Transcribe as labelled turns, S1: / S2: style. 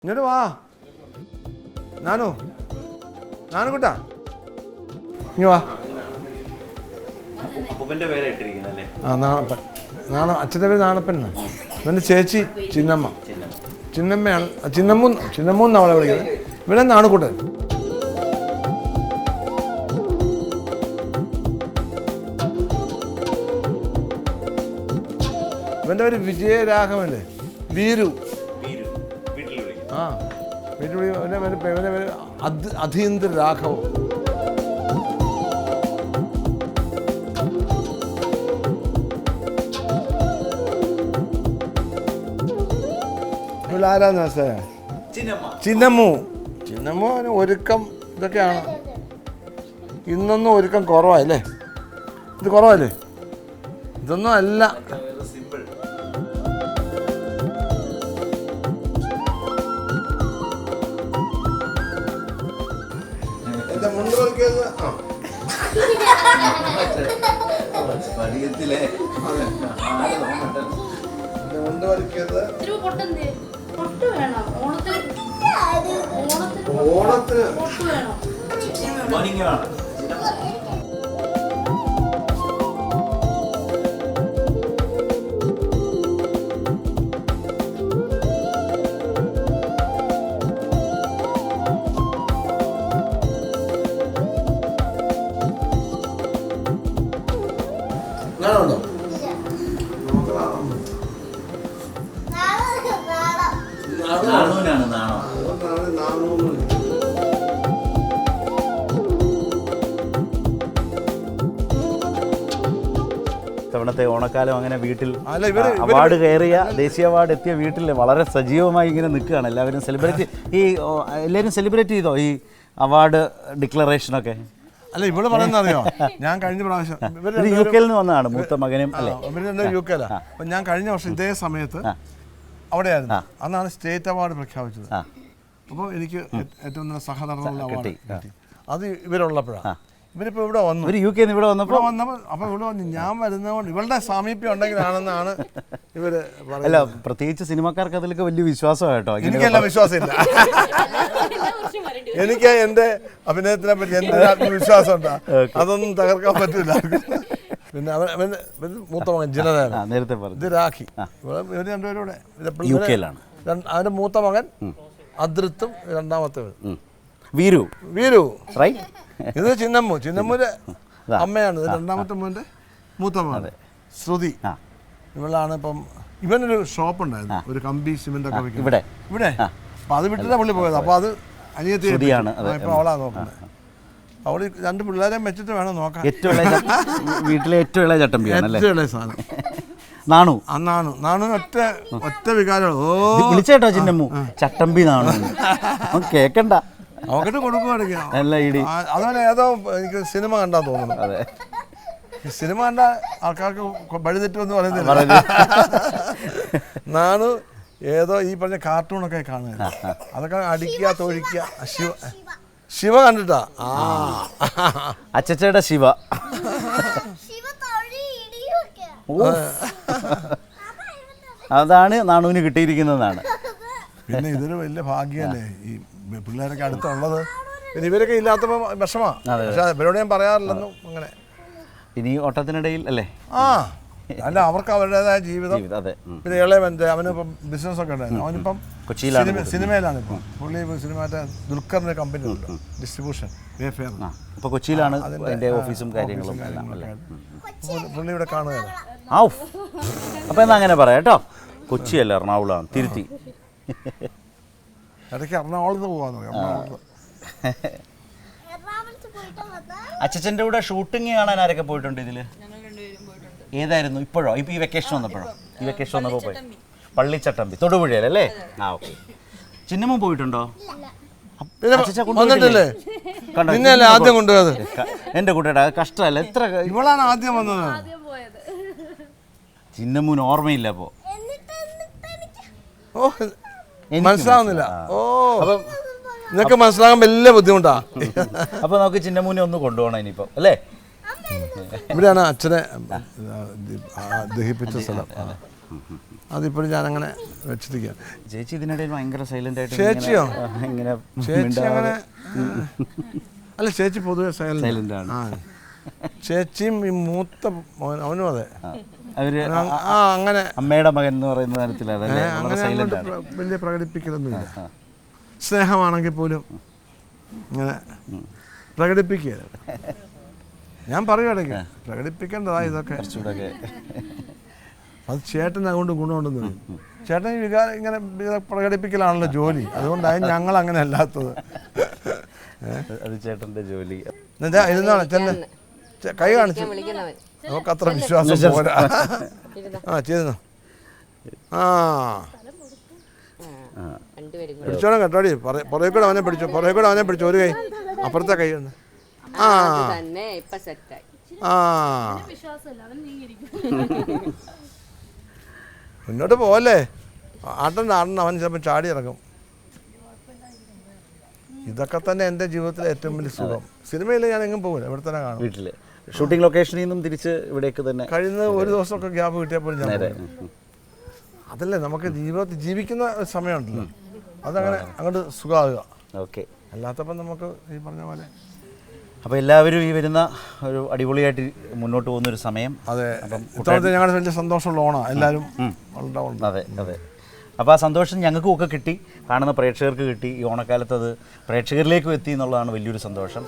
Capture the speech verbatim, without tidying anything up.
S1: ഇങ്ങോട്ട് വാ നാനു നാനു കൂട്ടാ ഇങ്ങ വാ. ആ നാണപ്പൻ നാണ അച്ഛൻ്റെ പേര് നാണപ്പൻ. ഇവൻ്റെ ചേച്ചി ചിന്നമ്മ. ചിന്നമ്മയാണ് ചിന്നമ്മൂ ചിന്നമ്മൂ എന്നാണ് അവളെ വിളിക്കുന്നത്. ഇവിടെ നാണുകൂട്ടൻ. ഇവൻ്റെ പേര് വിജയരാഘവല്ലേ, വീരു. ആ വീട്ടിൽ ഇവൻ്റെ പേര് അധീന്ദ്ര രാഘവൻ. ആരാന്ന് മനസ്സിലായ ചിന്നമ്മു. ചിന്നമ്മു ഒരുക്കം ഇതൊക്കെയാണ്. ഇന്നൊന്നും ഒരുക്കം കുറവല്ലേ, ഇത് കുറവല്ലേ, ഇതൊന്നും അല്ല. ഞാനുണ്ടോ
S2: തവണത്തെ ഓണക്കാലം അങ്ങനെ വീട്ടിൽ അവാർഡ് കയറിയ ദേശീയ അവാർഡ് എത്തിയ വീട്ടിൽ വളരെ സജീവമായി ഇങ്ങനെ നിൽക്കുകയാണ്. എല്ലാവരും സെലിബ്രേറ്റ് ഈ എല്ലാവരും സെലിബ്രേറ്റ് ചെയ്തോ ഈ അവാർഡ് ഡിക്ലറേഷനൊക്കെ?
S1: അല്ല ഇവിടെ പറയുന്നത് അറിയോ, ഞാൻ കഴിഞ്ഞ പ്രാവശ്യം
S2: യു കെയിൽ നിന്ന് വന്നതാണ് മൂത്ത മകനും.
S1: ഇവര് യു കെയിലാ. അപ്പം ഞാൻ കഴിഞ്ഞ വർഷം ഇതേ സമയത്ത് അവിടെയായിരുന്നു. അന്നാണ് സ്റ്റേറ്റ് അവാർഡ് പ്രഖ്യാപിച്ചത്. അപ്പോൾ എനിക്ക് ഏറ്റവും നല്ല സഹനടനുള്ള അവാർഡ് അത് ഇവരുള്ളപ്പോഴാണ്. ഇവരിപ്പോൾ ഇവിടെ വന്നു,
S2: യു കെ ഇവിടെ വന്നപ്പോൾ
S1: വന്നപ്പോൾ അപ്പോൾ ഇവിടെ വന്നു. ഞാൻ വരുന്നതുകൊണ്ട് ഇവളുടെ സാമീപ്യം ഉണ്ടെങ്കിലാണെന്നാണ് ഇവര് പറയുന്നത്.
S2: അല്ല, പ്രത്യേകിച്ച് സിനിമക്കാർക്ക് അതിലൊക്കെ വലിയ വിശ്വാസമാണ് കേട്ടോ.
S1: എനിക്കെല്ലാം വിശ്വാസമില്ല. എനിക്ക് എൻ്റെ അഭിനയത്തിനെ പറ്റി എന്തൊരു ആത്മവിശ്വാസം ഉണ്ടാ, അതൊന്നും തകർക്കാൻ പറ്റില്ല. പിന്നെ അവൻ മൂത്ത മകൻ ജിനദേവൻ,
S2: നേരത്തെ പറഞ്ഞു,
S1: ഇത് രാഖി. ഇവർ രണ്ടുപേരും ഇവിടെ
S2: യു കെയിലാണ്.
S1: അവൻ്റെ മൂത്ത മകൻ അദ്രിത്തും രണ്ടാമത്തെ
S2: വീരു.
S1: വീരു ഇത് ചിന്നമ്മു. ചിന്നമ്മൂര് അമ്മയാണ്. ഇത് രണ്ടാമത്തെ മോൻ്റെ മൂത്ത മകൻ ശ്രുതി. ഇവളാണ് ഇപ്പം. ഇവനൊരു ഷോപ്പ് ഉണ്ടായിരുന്നു, ഒരു കമ്പി സിമെന്റ് ഒക്കെ
S2: ഇവിടെ
S1: ഇവിടെ. അപ്പൊ അത് വിട്ടിട്ടാ പുള്ളി പോയത്. അപ്പൊ അത് അനിയത്തി ഇപ്പൊ അവളാ നോക്കുന്നത്. അവള് രണ്ട് പിള്ളേരെയും വെച്ചിട്ട് വേണം നോക്കാൻ.
S2: വീട്ടിലെ ഏറ്റവും ഇളയ ചട്ടമ്പിയാണ്,
S1: ഏറ്റവും ഇളയ സാധനം
S2: നാണു.
S1: ആ നാണു. നാണു ഒറ്റ ഒറ്റ വികാരം. ഓ
S2: വിളിച്ചേട്ടോ ചിന്നമ്മു ചട്ടമ്പി നാണു കേക്കണ്ട,
S1: അവക്കിട്ട് കൊടുക്കുവാണെങ്കിൽ. അതുപോലെ ഏതോ എനിക്ക് സിനിമ കണ്ടാ തോന്നുന്നു.
S2: അതെ,
S1: സിനിമ കണ്ട ആൾക്കാർക്ക് വഴിതെറ്റുമെന്ന് പറയുന്നില്ല. നാണു ഏതോ ഈ പറഞ്ഞ കാർട്ടൂണൊക്കെ കാണുക, അതൊക്കെ അടിക്കുക തൊഴിക്കുക. ശിവ ശിവ കണ്ടിട്ടാ. ആ
S2: അച്ചച്ചയുടെ ശിവ. അതാണ് നാണുവിന് കിട്ടിയിരിക്കുന്നതാണ്.
S1: പിന്നെ ഇതൊരു വലിയ ഭാഗ്യമല്ലേ ഈ പിള്ളേരൊക്കെ അടുത്തുള്ളത്. പിന്നെ ഇവരൊക്കെ ഇല്ലാത്തപ്പോൾ വിഷമാ. പക്ഷെ ഇവരോട് ഞാൻ പറയാറില്ലെന്നും അങ്ങനെ.
S2: ഇനി ഓട്ടത്തിനിടയിൽ അല്ലേ? ആ
S1: അല്ല, അവർക്ക് അവരുടേതായ ജീവിതം. പിന്നെ ഇളയവൻ്റെ അവനിപ്പം ബിസിനസ്സൊക്കെ ഉണ്ടായിരുന്നു. അവനിപ്പം കൊച്ചിയിലാണ്, സിനിമയിലാണ്. ഇപ്പം പുള്ളി സിനിമയുടെ ദുൽഖറിൻ്റെ കമ്പനി ഉണ്ട്, ഡിസ്ട്രിബ്യൂഷൻ വേഫെയർ.
S2: ഇപ്പോൾ കൊച്ചിയിലാണ് അതിൻ്റെ ഓഫീസും കാര്യങ്ങളും.
S1: പുള്ളി ഇവിടെ കാണുകയാണ്.
S2: അപ്പോൾ എന്നാ അങ്ങനെ പറയാം കേട്ടോ. കൊച്ചിയല്ല, എറണാകുളമാണ്, തിരുത്തി.
S1: ഇടയ്ക്ക് എറണാകുളത്ത് പോകാന്ന് പറയാം.
S2: അച്ഛൻ്റെ കൂടെ ഷൂട്ടിങ് കാണാൻ ആരൊക്കെ പോയിട്ടുണ്ട് ഇതില്? ഏതായിരുന്നു? ഇപ്പോഴോ? ഇപ്പൊ ഈ വെക്കേഷൻ വന്നപ്പോഴോ? ഈ വെക്കേഷൻ വന്നപ്പോൾ പോയി പള്ളിച്ചട്ടമ്പി തൊടുപുഴയിലല്ലേ? ആ ഓക്കെ. ചിന്നമ്മ പോയിട്ടുണ്ടോ?
S1: ആദ്യം കൊണ്ടുപോയത്
S2: എന്റെ കുട്ടിയുടെ കഷ്ടമല്ല. എത്ര
S1: ഇവളാണ് ആദ്യം വന്നത്.
S2: ചിന്നമ്മൂന് ഓർമ്മയില്ല. അപ്പോ
S1: ഓ മനസ്സിലാവുന്നില്ല. ഓ ഇതൊക്കെ മനസ്സിലാകാൻ വലിയ ബുദ്ധിമുട്ടാ.
S2: അപ്പൊ നമുക്ക് ചിന്നമ്മൂനെ ഒന്ന് കൊണ്ടുപോകണം ഇനിയിപ്പോ അല്ലേ?
S1: ഇവിടെയാണ് അച്ഛനെ ദഹിപ്പിച്ച സ്ഥലം. അതിപ്പോഴും ഞാനങ്ങനെ വെച്ചിരിക്കുക.
S2: ചേച്ചി ഇതിനിടയിൽ ഭയങ്കര സൈലന്റ് ആയിട്ട്
S1: ചേച്ചിയോ?
S2: ഇങ്ങനെ
S1: ചേച്ചി അങ്ങനെ അല്ല, ചേച്ചി പൊതുവെ
S2: സൈലന്റ്
S1: സൈലന്റ്
S2: ആണ്.
S1: ആ ചേച്ചിയും ഈ മൂത്ത മോൻ അവനും അതെ.
S2: അവര്
S1: ആ അങ്ങനെ
S2: അമ്മയുടെ മകൻ എന്ന് പറയുന്ന തരത്തിലാണ്
S1: അങ്ങനെ അങ്ങോട്ട് പ്ര- വലിയ പ്രകടിപ്പിക്കലൊന്നുമില്ല. സ്നേഹമാണെങ്കിൽ പോലും ഇങ്ങനെ പ്രകടിപ്പിക്കുക. ഞാൻ പറയുകയാണെങ്കിൽ പ്രകടിപ്പിക്കേണ്ടതാ ഇതൊക്കെ.
S2: കുറച്ചുകൂടെ
S1: അത് ചേട്ടൻ അതുകൊണ്ട് ഗുണമുണ്ടെന്ന് പറയും. ചേട്ടൻ ഈ വികാരം ഇങ്ങനെ ഇത് പ്രകടിപ്പിക്കലാണല്ലോ ജോലി, അതുകൊണ്ടാണ് ഞങ്ങൾ അങ്ങനെ അല്ലാത്തത്.
S2: അത് ചേട്ടന്റെ ജോലി.
S1: എന്താ ഇരുന്നാണ് ചെന്ന് ചെ- കൈ കാണിച്ചു, നമുക്ക് അത്ര വിശ്വാസം പോരാ. ആ ചെയ്തു. ആ പിടിച്ചോണം കേട്ടോടി, പുറകെ കൂടെ അവനെ പിടിച്ചു, പുറകെ കൂടെ അവനെ പിടിച്ചു. ഒരു കൈ അപ്പുറത്തെ കൈ ഉണ്ട്. ആ ആ മുന്നോട്ട് പോവല്ലേ, ആട്ടണ്ട ആടണ്ട, അവൻ ചിലപ്പോൾ ചാടി ഇറങ്ങും. ഇതൊക്കെ തന്നെ എൻ്റെ ജീവിതത്തിലെ ഏറ്റവും വലിയ സുഖം. സിനിമയിൽ ഞാൻ എങ്ങും പോകില്ല, ഇവിടെ തന്നെ കാണും.
S2: വീട്ടില് ഷൂട്ടിംഗ് ലൊക്കേഷനിൽ നിന്നും തിരിച്ച് ഇവിടേക്ക് തന്നെ
S1: കഴിയുന്നത് ഒരു ദിവസമൊക്കെ ഗ്യാപ്പ് കിട്ടിയപ്പോൾ ഞാൻ പോകും. അതല്ലേ നമുക്ക് ജീവിതത്തിൽ ജീവിക്കുന്ന സമയമുണ്ടല്ലോ, അതങ്ങനെ അങ്ങോട്ട് സുഖമാകുക.
S2: ഓക്കെ.
S1: അല്ലാത്തപ്പം നമുക്ക് ഈ പറഞ്ഞ പോലെ.
S2: അപ്പോൾ എല്ലാവരും ഈ വരുന്ന ഒരു അടിപൊളിയായിട്ട് മുന്നോട്ട് പോകുന്നൊരു സമയം.
S1: അതെ, ഇത്തവണത്തെ ഞങ്ങളുടെ വലിയ സന്തോഷമുള്ള ഓണാണ്. എല്ലാവരും ഉണ്ടാവും.
S2: അതെ അതെ. അപ്പോൾ ആ സന്തോഷം ഞങ്ങൾക്കും ഒക്കെ കിട്ടി, കാണുന്ന പ്രേക്ഷകർക്ക് കിട്ടി. ഈ ഓണക്കാലത്ത് അത് പ്രേക്ഷകരിലേക്കും എത്തി എന്നുള്ളതാണ് വലിയൊരു സന്തോഷം.